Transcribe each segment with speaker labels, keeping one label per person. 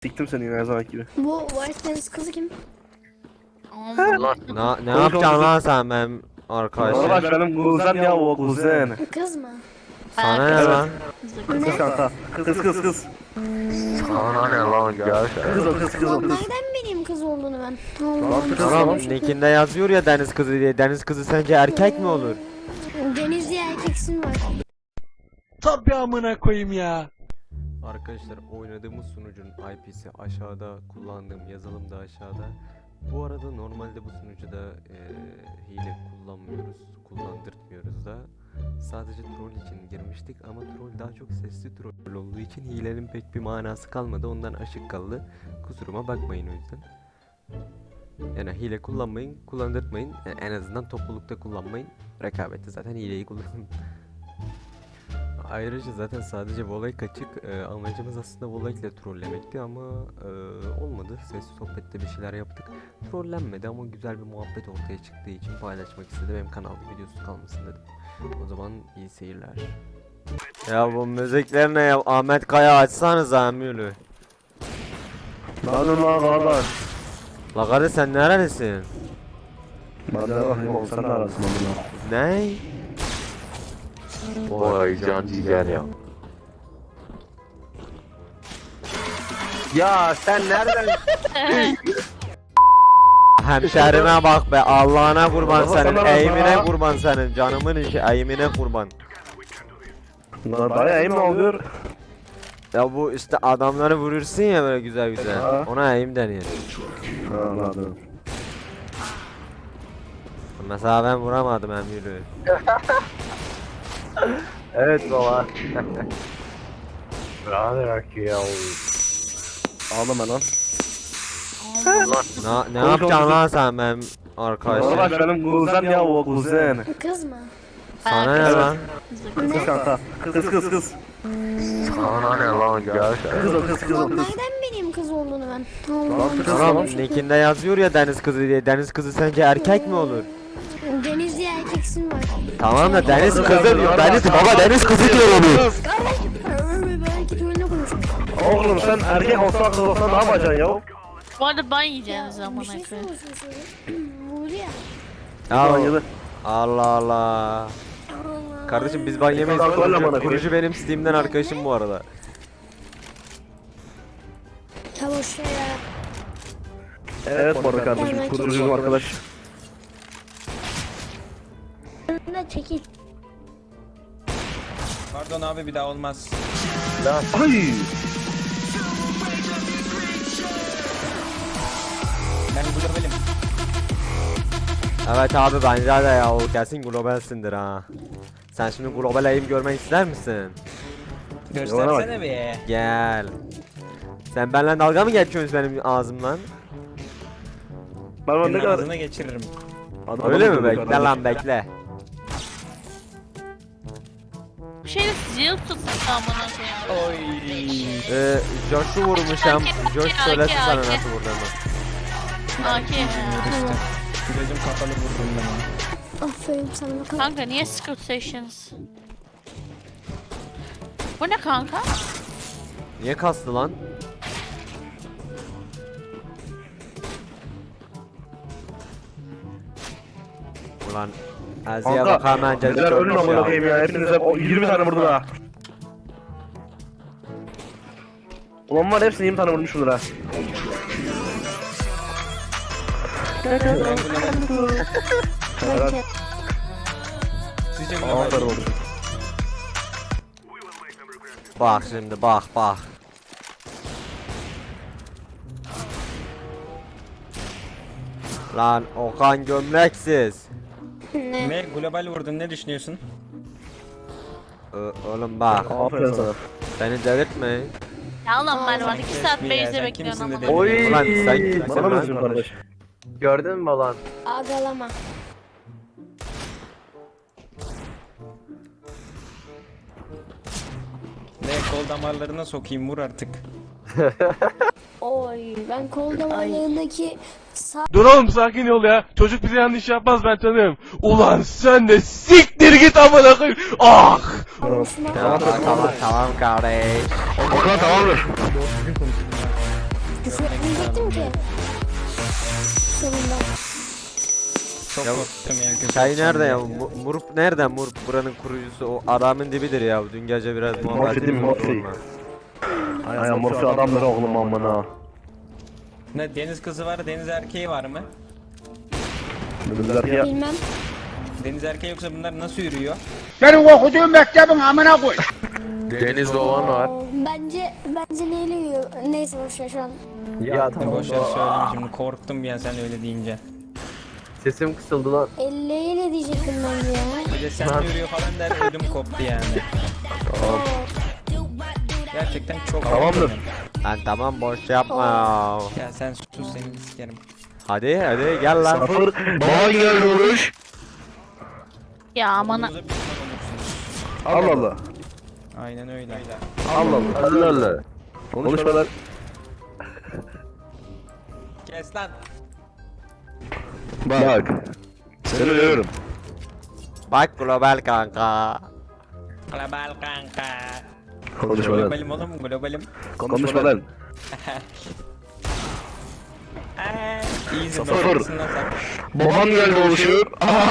Speaker 1: Siktim seni yine her zaman gibi.
Speaker 2: Bu White Deniz kızı kim?
Speaker 3: Ne yapacaksın lan sen benim arkadaşım?
Speaker 1: Bak benim kuzen ya o kuzen.
Speaker 2: Kız mı?
Speaker 3: Sana ne lan?
Speaker 1: Kız kanka. Kız.
Speaker 3: Sana ne lan gerçekten?
Speaker 1: Kız o kız
Speaker 2: Lan nereden bileyim kız olduğunu ben? Allah'ım.
Speaker 3: Tamam, nickinde yazıyor ya deniz kızı diye. Deniz kızı sence erkek mi olur?
Speaker 2: Denizli erkeksin var.
Speaker 4: Tabii amına koyayım ya.
Speaker 3: Arkadaşlar oynadığımız sunucunun IP'si aşağıda, kullandığım yazılım da aşağıda. Bu arada normalde bu sunucuda hile kullandırtmıyoruz da. Sadece troll için girmiştik ama troll daha çok sesli troll olduğu için hilenin pek bir manası kalmadı. Ondan aşık kaldı. Kusuruma bakmayın o yüzden. Yani hile kullanmayın, kullandırtmayın. Yani en azından toplulukta kullanmayın. Rekabette zaten hileyi kullanın. Ayrıca zaten sadece voley kaçık. Amacımız aslında voley ile trollemekti ama olmadı. Sesli sohbette bir şeyler yaptık. Trollenmedi ama güzel bir muhabbet ortaya çıktığı için paylaşmak istedim. Hem kanalda videosu kalmasın dedim. O zaman iyi seyirler. Ya bu müzikler ne ya? Ahmet Kaya açsanız Amülü.
Speaker 1: Lan kardeş.
Speaker 3: La kardeş sen neredesin?
Speaker 1: Hadi bakayım oğlum sen de arasın onu.
Speaker 3: Ne?
Speaker 5: Vay can ciğer ya.
Speaker 1: Ya sen nereden?
Speaker 3: Hemşerime bak be, Allah'ına kurban
Speaker 1: Baba,
Speaker 3: senin,
Speaker 1: sana
Speaker 3: eğimine
Speaker 1: bak.
Speaker 3: kurban senin, canımın işi, eğimine kurban.
Speaker 1: Lan bayağı iyi mi oluyor?
Speaker 3: Ya bu işte adamları vurursun ya böyle güzel güzel.
Speaker 1: Ha.
Speaker 3: Ona eğim deniyor.
Speaker 1: Anladım.
Speaker 3: Mesela ben vuramadım Emir'i.
Speaker 5: Evet baba. Rahat bırak ya.
Speaker 1: Ağlama lan.
Speaker 3: Ne yapacaksın lan sen benim arkadaşım?
Speaker 1: Bak benim kuzen ya o kuzen.
Speaker 2: Kız mı?
Speaker 3: Sana ne lan?
Speaker 1: Kız kanka. Kız.
Speaker 5: Sana ne lan gerçekten?
Speaker 1: Kız o kız
Speaker 2: Lan
Speaker 1: kız.
Speaker 2: nereden bileyim kız olduğunu ben? Allah'ım.
Speaker 3: Tamam, nickinde yazıyor ya deniz kızı diye. Deniz kızı sence erkek mi olur?
Speaker 2: Denizli erkeksin var.
Speaker 3: Tamam da deniz kızı diyor. Deniz kızı diyor onu.
Speaker 2: Belki trollüne konuşmuş.
Speaker 1: Oğlum sen erkek olsan kız olsan ne yapacaksın ya?
Speaker 6: Bu arada ban yiyeceğiniz zaman
Speaker 2: Bir şey
Speaker 6: koyayım.
Speaker 2: sormuşsun şöyle. Vurdu ya.
Speaker 3: Ya Allah Allah.
Speaker 2: Allah.
Speaker 3: Kardeşim biz ban yemeyiz.
Speaker 1: Kanka, öyle bana
Speaker 3: Kurucu benim Steam'den arkadaşım bu arada.
Speaker 2: Çavuş ya.
Speaker 1: Evet bu arada kardeşim kurucuyum arkadaş.
Speaker 2: Önüne çekil.
Speaker 4: Pardon abi bir daha olmaz.
Speaker 1: Ay!
Speaker 4: Ben globalim.
Speaker 3: Evet abi bence de ya o kesin globalsindir ha. Sen şimdi global aim görmek ister misin?
Speaker 4: Göstersene be.
Speaker 3: Gel. Sen benimle dalga mı geçiyorsun benim ağzımdan?
Speaker 1: Ben ne
Speaker 4: Senin
Speaker 1: kadar...
Speaker 4: ağzına geçiririm.
Speaker 3: Öyle mi? Bekle lan bekle.
Speaker 6: Bu şeyde zil tutsun amına koyayım.
Speaker 4: Oy.
Speaker 3: Josh'u vurmuşam. Josh söylesin sana nasıl vurduğumu.
Speaker 6: AK.
Speaker 4: Gözüm kapalı vurdum ben.
Speaker 2: Aferin sana bakalım.
Speaker 6: Kanka niye Scout Sessions? Bu ne kanka?
Speaker 3: Niye kastı lan? Ulan Aziye bak hemen cezı
Speaker 1: Neler ölün
Speaker 3: çökmüş
Speaker 1: amına
Speaker 3: ya.
Speaker 1: koyayım ya. Hepinize 20 tane vurdu ha. Ulan var hepsini 20 tane vurmuşumdur ha. Evet.
Speaker 4: Sizce
Speaker 1: Aferin
Speaker 4: global.
Speaker 1: olsun.
Speaker 3: Bak şimdi bak. Lan Okan gömleksiz.
Speaker 4: Ne global vurdun ne düşünüyorsun?
Speaker 3: Oğlum bak.
Speaker 1: Aferin sana.
Speaker 3: Beni delirtme.
Speaker 6: Ya lan Mervan 2 saat
Speaker 4: Bir ya,
Speaker 6: base'de
Speaker 4: sen
Speaker 6: bekliyorsun
Speaker 4: kimsin
Speaker 6: amına
Speaker 4: de
Speaker 6: koyayım.
Speaker 5: Oy.
Speaker 3: Ulan sen kimsin
Speaker 1: Bana mı
Speaker 3: lan?
Speaker 1: üzülüyorsun kardeş?
Speaker 5: Gördün mü lan?
Speaker 2: Ağlama.
Speaker 4: Ne kol damarlarına sokayım vur artık.
Speaker 2: Oy ben kol damarlarındaki sağ
Speaker 7: Dur oğlum sakin ol ya. Çocuk bize yanlış yapmaz ben tanıyorum. Ulan sen de siktir git amına koyayım. Ah!
Speaker 2: vuruşuma
Speaker 3: Tamam kardeş.
Speaker 1: Okan tamamdır.
Speaker 2: Küfür etmeyecektim ki. Sonunda.
Speaker 4: Çok
Speaker 3: Ya,
Speaker 4: korktum ya. küfür
Speaker 3: Çay
Speaker 4: edeceğim
Speaker 3: nerede ya?
Speaker 4: diye.
Speaker 3: Murup nereden? Murup buranın kurucusu o adamın dibidir ya. Dün gece biraz muhabbet
Speaker 1: Morfi değil mi, Morfi? Ay Morfi adamları oğlum amına.
Speaker 4: Ne deniz kızı var, deniz erkeği var mı?
Speaker 1: Dediler ki ya.
Speaker 2: Bilmem.
Speaker 4: Deniz erkeği yoksa bunlar nasıl yürüyor?
Speaker 5: Denizde olan var.
Speaker 2: Bence neyle yiyor? Neyse boşver şu an.
Speaker 5: Ya tamam.
Speaker 4: Boş ver söyleme şimdi, korktum bir an sen öyle deyince.
Speaker 5: Sesim kısıldı lan.
Speaker 2: Elleyle diyecektim ben de ya.
Speaker 4: Bir de sen yürüyor falan der, ödüm koptu yani. Gerçekten çok
Speaker 1: Tamamdır.
Speaker 4: korktum.
Speaker 3: Lan tamam boş yapma.
Speaker 4: Ya sen sus, seni sikerim.
Speaker 3: Hadi gel lan.
Speaker 1: Sıfır. Baban geldi oruç.
Speaker 6: Ya aman
Speaker 4: Olduğunuza pişman olursunuz.
Speaker 1: Allah Allah.
Speaker 4: Aynen öyle.
Speaker 1: Allah Allah. Allah Allah. Konuşma lan.
Speaker 4: Kes lan.
Speaker 1: Bak. Seni uyuyorum.
Speaker 3: Bak global kanka.
Speaker 4: Global kanka.
Speaker 1: Konuşma lan.
Speaker 4: Globalim oğlum, globalim.
Speaker 1: Konuşma lan.
Speaker 4: İyi
Speaker 1: Sıfır.
Speaker 4: zımbırtısın lan sen.
Speaker 1: Baban geldi oluşu.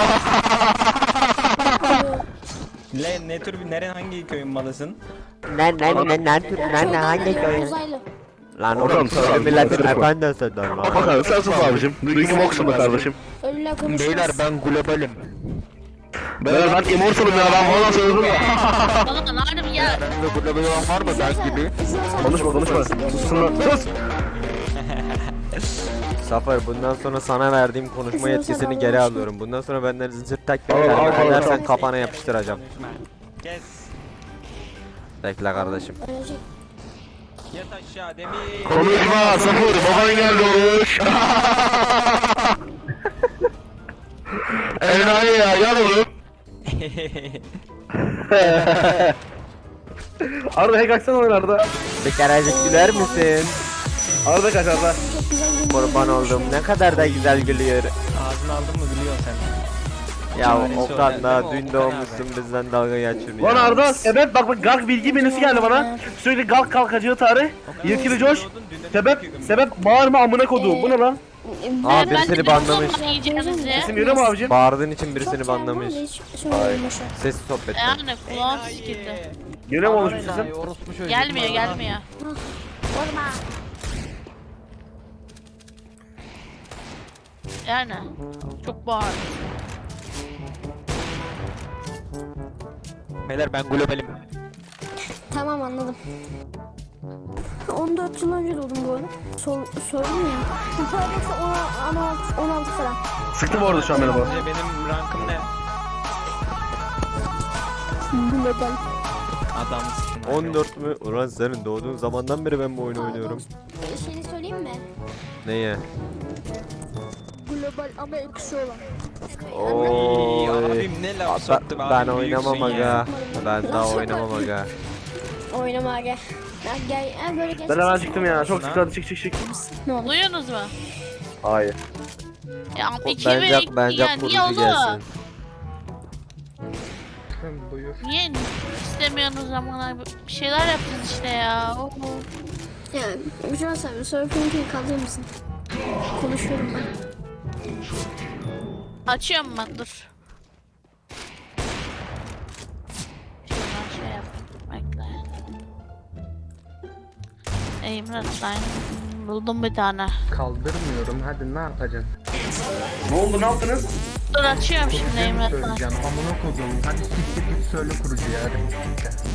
Speaker 4: Ne tür bir, hangi köyün malısın?
Speaker 3: Ne hangi köy?
Speaker 2: Uzaylı.
Speaker 3: Lan
Speaker 1: Oradan
Speaker 3: oğlum
Speaker 1: sen
Speaker 3: söyle
Speaker 1: al,
Speaker 3: milletin
Speaker 1: karışma.
Speaker 3: efendisi lan.
Speaker 1: Bakalım sen sus abicim. Dünkü moksun be kardeşim.
Speaker 2: Ölüler konuşmaz.
Speaker 1: ben globalim. Beyler ben immortalım ya, ben bana söyledim ya.
Speaker 6: Oğlum harbi ya.
Speaker 1: Globalim var mı ben gibi? Konuşma. Susun lan. Sus.
Speaker 3: Zafer bundan sonra sana verdiğim konuşma yetkisini geri alıyorum. Bundan sonra benden zincir takip
Speaker 1: Al,
Speaker 3: edersen
Speaker 1: al.
Speaker 3: kafana yapıştıracağım.
Speaker 4: Kes.
Speaker 3: Bekle kardeşim.
Speaker 2: Ölecek.
Speaker 4: Yat aşağı demir.
Speaker 1: Konuşma sıfır. Baban geldi oluş. Enayi ya, gel oğlum. Arda hack açsana oyun Arda.
Speaker 3: Bir kerecik güler misin?
Speaker 1: Arda kaç Arda.
Speaker 2: Çok güzel gün.
Speaker 3: Kurban oldum. Ne kadar da güzel gülüyor.
Speaker 4: Ağzını aldın mı biliyorsun sen.
Speaker 3: Ya
Speaker 4: Çaresi
Speaker 3: Okan
Speaker 4: o,
Speaker 3: da
Speaker 4: değil mi
Speaker 3: dün
Speaker 4: Okan
Speaker 3: doğmuşsun bizden dalga geçiyor
Speaker 1: Lan
Speaker 3: ya.
Speaker 1: Arda, sebep bak Galk bilgi menüsü geldi bana. Sürekli Galk kalkacağı tarih. Yetkili Josh. Sebep bağırma amına koduğum. Bu ne lan?
Speaker 3: Aa
Speaker 6: Ben
Speaker 3: birisini
Speaker 6: de
Speaker 3: banlamış.
Speaker 6: zaman yiyeceğimizi.
Speaker 1: İsim yürü mü abicim?
Speaker 3: Bağırdığın için birisini
Speaker 2: Çok çağırmam
Speaker 3: banlamış.
Speaker 2: da hiç söylemedim boşver.
Speaker 3: Sessiz sohbet.
Speaker 6: Yani kulağım sikildi.
Speaker 1: Yine mi olmuş bir sesin?
Speaker 6: Gelmiyor.
Speaker 2: Vurma.
Speaker 6: Yani çok bağırdı.
Speaker 4: Beyler ben globalim.
Speaker 2: Tamam anladım. 14 yıl önce doğdum bu arada. Sordum ya. Bu paradoks 16 falan.
Speaker 1: Sıktı bu arada şu an beni bu.
Speaker 4: Benim rankım ne?
Speaker 2: Global.
Speaker 4: Adamsın.
Speaker 3: 14 mü? Ulan senin doğduğun zamandan beri ben bu oyunu oynuyorum.
Speaker 2: Şeyi söyleyeyim mi?
Speaker 3: Neye?
Speaker 2: Global ama eksi olan.
Speaker 3: Oy.
Speaker 4: Abim ne laf soktu be
Speaker 3: Ben
Speaker 4: abi,
Speaker 3: oynamam
Speaker 4: büyüksün ya.
Speaker 3: aga. Ben daha oynamam aga.
Speaker 2: Oynama aga. Ya gel, ya böyle gel.
Speaker 1: Ben hemen çıktım ya. Çok sıktı, hadi çık.
Speaker 2: Ne olur.
Speaker 6: Duyuyorsunuz mu?
Speaker 1: Hayır.
Speaker 6: Ya 2 ve 2
Speaker 3: Bence
Speaker 6: ya niye
Speaker 3: kurucu
Speaker 6: oğlum?
Speaker 3: gelsin.
Speaker 6: Niye istemiyorsunuz zaman bir şeyler yapacağız işte ya. Oho.
Speaker 2: Ya Mücadele sen surfing'i kalıyor musun? Konuşuyorum ben.
Speaker 6: Açıyorum ben dur. Şuradan şey yap. Bekle. Emre ben buldum bir tane.
Speaker 8: Kaldırmıyorum, hadi ne yapacaksın?
Speaker 1: Ne oldu, ne yaptınız?
Speaker 6: Dur açıyorum şimdi Emre ben.
Speaker 8: Söyleyeceğim, amına kodum. Hadi siktir git söyle kurucuya hadi.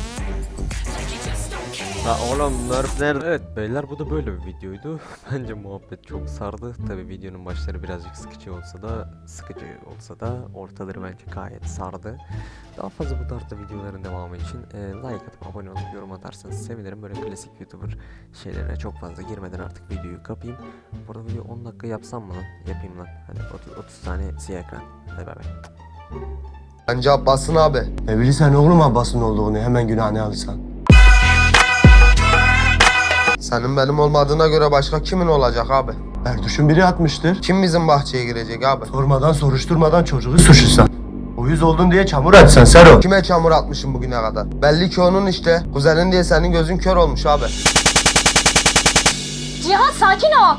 Speaker 3: La oğlum nerf nerede? Evet beyler bu da böyle bir videoydu. Bence muhabbet çok sardı. Tabi videonun başları birazcık sıkıcı olsa da ortaları bence gayet sardı. Daha fazla bu tarzda videoların devamı için like atıp abone olup yorum atarsanız sevinirim. Böyle klasik YouTuber şeylerine çok fazla girmeden artık videoyu kapayım. Burada video 10 dakika yapsam mı lan? Yapayım lan. Hadi 30 saniye siyah ekran. Hadi bay bay.
Speaker 9: Bence Abbas'ın abi. Ne bilirsen oğlum Abbas'ın olduğunu, hemen günahını alırsan. Senin benim olmadığına göre başka kimin olacak abi? Erduş'un biri atmıştır. Kim bizim bahçeye girecek abi? Sormadan soruşturmadan çocuğu suçlusan. Uyuz oldun diye çamur atsan Sero. Kime çamur atmışım bugüne kadar? Belli ki onun işte. Kuzenin diye senin gözün kör olmuş abi.
Speaker 2: Cihan sakin ol.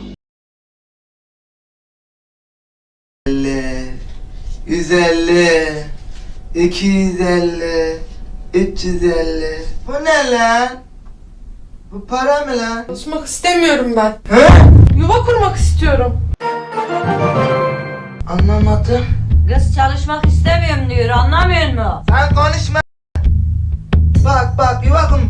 Speaker 9: 150, 250, 350. Bu ne lan? Bu para mı lan?
Speaker 10: Çalışmak istemiyorum ben.
Speaker 9: He?
Speaker 10: Yuva kurmak istiyorum.
Speaker 9: Anlamadım.
Speaker 10: Kız çalışmak istemiyorum diyor, anlamıyor musun?
Speaker 9: Sen konuşma. Bak yuva kurma.